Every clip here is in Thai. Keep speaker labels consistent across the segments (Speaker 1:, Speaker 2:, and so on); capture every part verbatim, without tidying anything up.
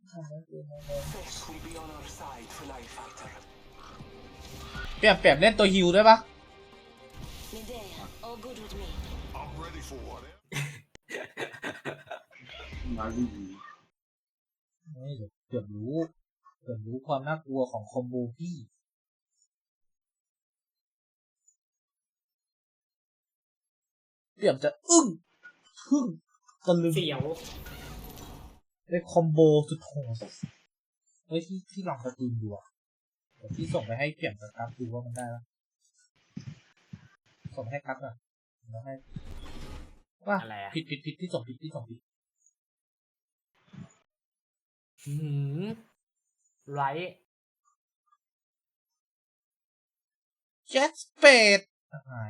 Speaker 1: เปลี่ยนเปลี่ยนเล่นตัวฮิวได้ปะ
Speaker 2: มาดี
Speaker 1: ไม่เดี๋ยวเกือบรู้เกือบรู้ความน่ากลัวของคอมโบพี่เกือบจะอึ้งทึ่งตะลึง
Speaker 3: เสียว
Speaker 1: ได้คอมโบสุดโหดเฮ้ยที่ที่ลองสตรีมดูอ่ะเดี๋ยวพี่ส่งไปให้เปลี่ยนกับกราฟดูว่ามันได้ปะส่งให้กราฟอ่ะแล้วให้ว่าผิดผิดผิดที่ส่งผิดที่ส่งผิด
Speaker 3: หืมไร
Speaker 1: เจ็ตสเปดหาย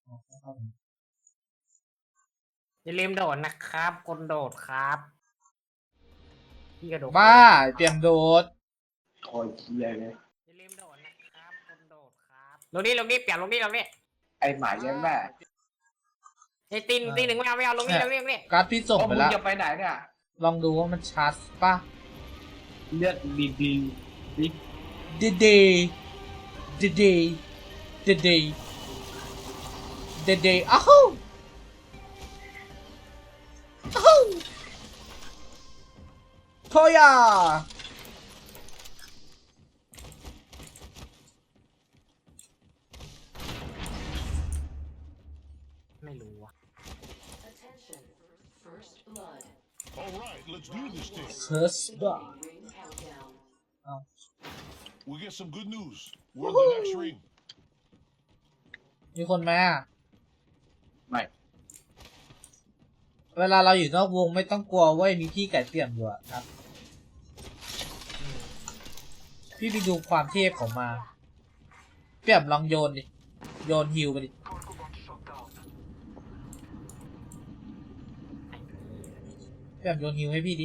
Speaker 3: อย่าลืมโดดนะครับคนโดดครับพี่กระโดด
Speaker 1: บ้าเตรียมโดด
Speaker 2: คอยเคียเลย
Speaker 3: อย่าลืมโดดนะครับคนโดดครับลงนี่ลงนี่เปลี่ยนลงนี่ลงนี่
Speaker 2: ไอหมายังแม่
Speaker 3: ไอตีนตีหนึ่งไม่เอาไม่เอาลงนี่ลงนี่ลงนี่
Speaker 1: การ์ดพี่ส่งไปแล้ว
Speaker 2: จะไปไหนเนี่ย
Speaker 1: ลองดูว่ามันชาร์จป่ะ
Speaker 2: เลือดดีดีดี
Speaker 1: เดเดเดเดเดเดเดเดอ้าวอ้าวโทยา
Speaker 3: ไม่รู้ว่ะ
Speaker 4: Alright, let's do this thing.
Speaker 1: First blood. Oh.
Speaker 4: We get some good news. We're in the next ring.
Speaker 1: มีคนไหมอ่ะ
Speaker 2: ไม่
Speaker 1: เวลาเราอยู่นอกวงไม่ต้องกลัวเว้ยมีพี่ไก่เตี่ยมอยู่อะครับพี่ไปดูความเทพของมาเปี่ยมลองโยนดิโยนฮิวไปดิเปี่ยมโยนฮิวให้พี่ดิ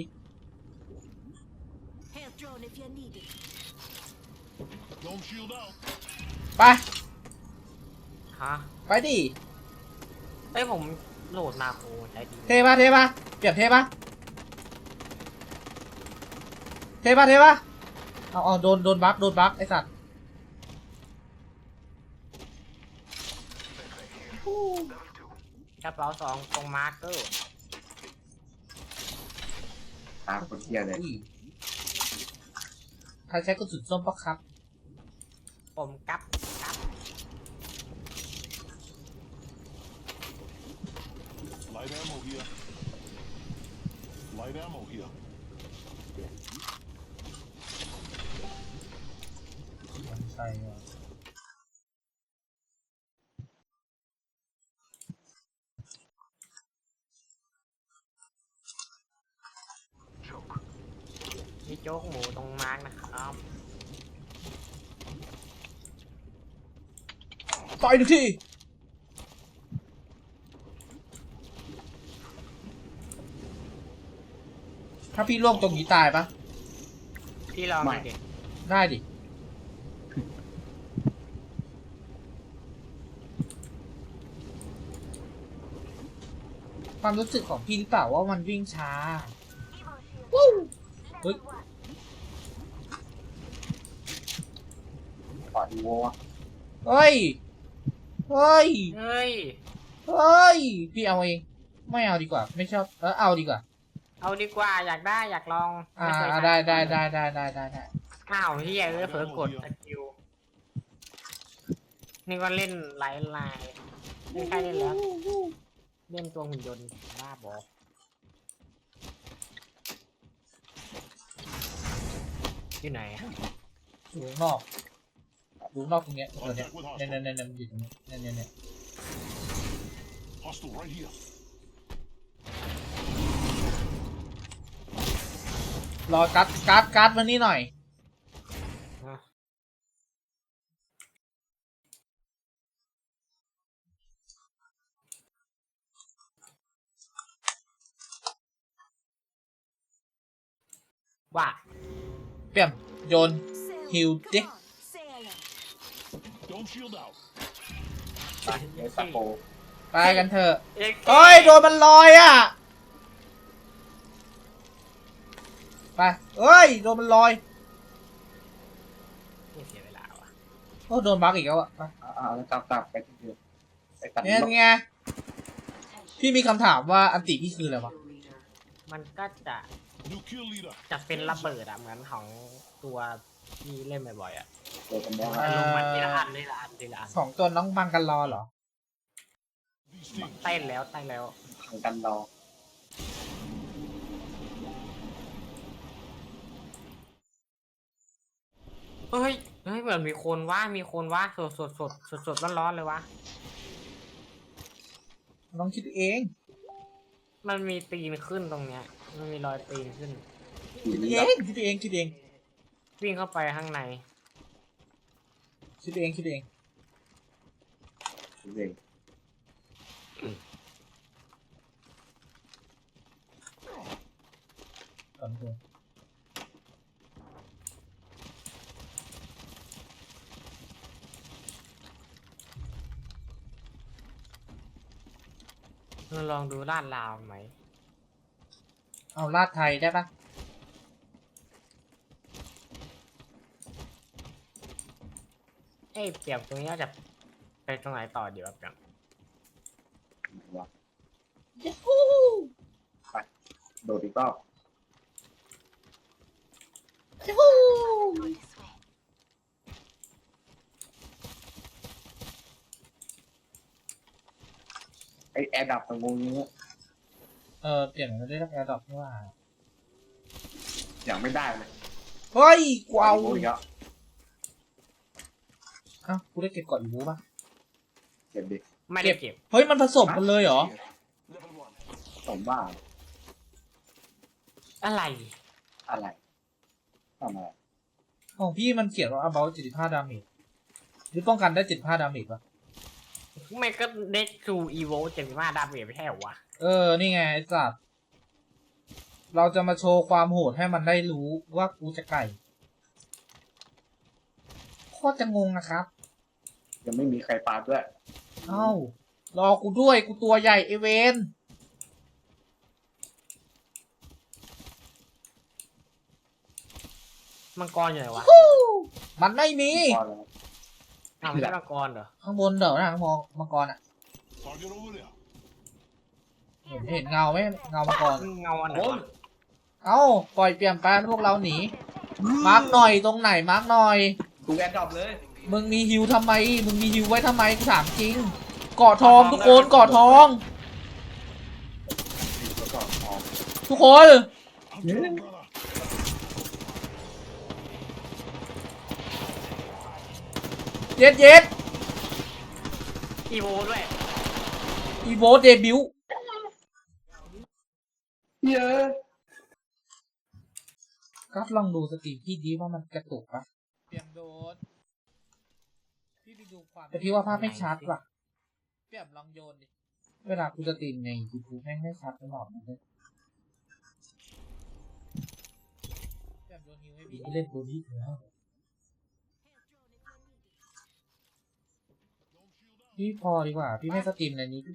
Speaker 1: ไป
Speaker 3: ฮะ
Speaker 1: ไปดิ
Speaker 3: เอ้ยผมโหลดมาโคใช้ดี
Speaker 1: เทปะเทปะเปี่ยมเทปะเทปะเทปะเอาเอาโดนโดนบั๊กโดนบั๊กไอสัตว์
Speaker 3: กระเป๋าสองตรงมาร์เกอร์
Speaker 2: ตามคนเคียเลย
Speaker 1: ใครใช้กระสุนส้มปะครับ
Speaker 3: ผมกับกับ
Speaker 4: Light ammo here. Light ammo here.
Speaker 1: ใช่ว่ะ
Speaker 3: มีโจ๊กหมูตรงมาร์กนะครับ
Speaker 1: ต่อยหนึ่งทีถ้าพี่ล่วงตรงนี้ตายปะ
Speaker 3: พี่ลองดิ
Speaker 1: ได้ดิความรู้สึกของพี่หรือเปล่าว่ามันวิ่งช้าวู้เฮ้ย
Speaker 2: ปอดวัว
Speaker 1: เฮ้ยเฮ้ย
Speaker 3: เฮ้ย
Speaker 1: เฮ้ยพี่เอาเองไม่เอาดีกว่าไม่ชอบเออเอาดีกว่า
Speaker 3: เอาดีกว่าอยากได้อยากลอง
Speaker 1: อ่าได้ได้ได้ได้ได้ได้ได้
Speaker 3: อ้าวเฮียเออเผลอกดสกิลนี่ก็เล่นหลายลายไม่ใช่เล่นแล้วเล่นตัวหุ่นยนต์บ้าบอที่ไหน
Speaker 1: อยู่นอกอยู่นอกตรงเนี้ยตัวเนี้ยเนี่ยเนี่ยเนี่ยอยู่ตรงนี้เนี่ยเนี่ยเนี่ยรอการ์ดการ์ดการ์ดมานี่หน่อย
Speaker 3: ว่า
Speaker 1: เปี่ยมโยนฮิวดิ
Speaker 2: ไปเอสโป
Speaker 1: ไปกันเถอะเฮ้ยโดนมันลอยอ่ะไปเอ้ยโดนมันลอย
Speaker 3: ไม่เสียเวลาว่ะ
Speaker 1: โอ้โดนบั๊กอีกแล้วอะไป
Speaker 2: อ่าแล้วกลับกลับไปที่เดิมไปตัด
Speaker 1: เนี่ยไงพี่มีคำถามว่าอันติพี่คืออะไรวะ
Speaker 3: มันก็จะ
Speaker 4: New kill leader.
Speaker 3: จะเป็นระเบิดอะเหมือนของตัวที่เล่นบ่อยๆอะ
Speaker 2: เดินกันแล้ว
Speaker 1: เอ่อ
Speaker 3: ลงมาทีละอันทีละอันทีละอัน
Speaker 1: สองตัวน้องบังกันรอเหรอ
Speaker 4: These things.
Speaker 3: เต้นแล้วเต้นแล้ว
Speaker 2: ทางกันรอ
Speaker 3: เฮ้ยเฮ้ยเหมือนมีคนว่ามีคนว่าสดสดสดสดสดร้อนร้อนๆเลยวะ
Speaker 1: น้องคิดเอง
Speaker 3: มันมีตีนขึ้นตรงเนี้ยมันมีรอยตีนขึ้น
Speaker 2: ขี่
Speaker 1: คิด
Speaker 2: นี่
Speaker 1: เอ
Speaker 2: แบบ
Speaker 1: งคิดเองคิดเอง
Speaker 3: วิ่งเข้าไปข้างใน
Speaker 1: คิดเองคิดเอง
Speaker 2: เลย
Speaker 1: สองตัว
Speaker 3: เราลองดูลาดราวไหม
Speaker 1: เอาลาดไทยได้ปะ
Speaker 3: เอ้ยเปรียบตรงนี้จะไปตรงไหนต่อเดี๋ยวเปรียบ
Speaker 2: ไหนวะ
Speaker 1: ยูฮู
Speaker 2: โดดอีกรอบ
Speaker 1: ยูฮู
Speaker 2: ไอแอร์ดับตรงนี้
Speaker 1: เออเปลี่ยนไม่ได้รับแอร์ดรอปนี่ว่า
Speaker 2: อย่างไม่ได้เลย
Speaker 1: เฮ้ยกูเอา
Speaker 2: โอ้ยเยอะ
Speaker 1: เอ้ากูได้เก็บก่อนอีบูป่ะ
Speaker 2: เก็บดิ
Speaker 3: ไม่ได้เก็บ
Speaker 1: เฮ้ยมันผสมกันเลยเหรอ
Speaker 4: Level one.
Speaker 2: ผมว่า
Speaker 3: อะไร
Speaker 2: อะไรทำอะไร
Speaker 1: ของพี่มันเขียนว่า about เจ็ดสิบห้า damage หรือป้องกันได้เจ็ดสิบห้า damage ป่ะ
Speaker 3: ไม่ก็เด็กทูอีโวเจ็ดสิบห้าดาเมจไม่ใช่เหรอวะ
Speaker 1: เออ นี่ไงไอ้สัตว์เราจะมาโชว์ความโหดให้มันได้รู้ว่ากูจะไก่โคตรจะงงนะครับ
Speaker 2: ยังไม่มีใครปาด้วย
Speaker 1: เอ้า รอกูด้วยกูตัวใหญ่เอเวน
Speaker 3: มังกรอยู่ไหนวะ
Speaker 1: มันไม่มี
Speaker 2: พอแล้ว
Speaker 3: อ้าวไม่ใช่มังกรเหรอ
Speaker 1: ข้างบนเดี๋ยวนะมองมังกรอ่ะ
Speaker 4: Target over there.
Speaker 1: เห็นเห็นเงาไหมเงามังกร
Speaker 3: เงาอันไหน
Speaker 2: โอ้
Speaker 3: วะ
Speaker 2: ย
Speaker 1: เอ้า ปล่อยเปลี่ยนไปพวกเราหนี มาร์กหน่อยตรงไหนมาร์กหน่อย
Speaker 2: กูแอร์ดับเลย
Speaker 1: มึงมีฮิวทำไม มึงมีฮิวไว้ทำไมกูถามจริงเกาะทองทุกคนเกาะทอง
Speaker 2: ก่อนออก
Speaker 1: ทุกคน
Speaker 4: I'm down, brother.
Speaker 1: เย็ดเย็ด
Speaker 3: อีโวด้วย
Speaker 1: อีโวเดบิว
Speaker 2: เยอะ
Speaker 1: ก็ลองดูสตรีมพี่ดีว่ามันกระตุกปะเตรียมโดนพี่ไปดูความแต่พี่ว่าภาพไม่ชัดว่ะเปรียบลองโยนดิเวลากูสตรีมในยูทูบแม่งไม่ชัดตลอดเลยเปรียบโดนฮิวให้พี่เล่นตัวนี้แล้ว พี่พอดีกว่า พี่ไม่สตรีมในนี้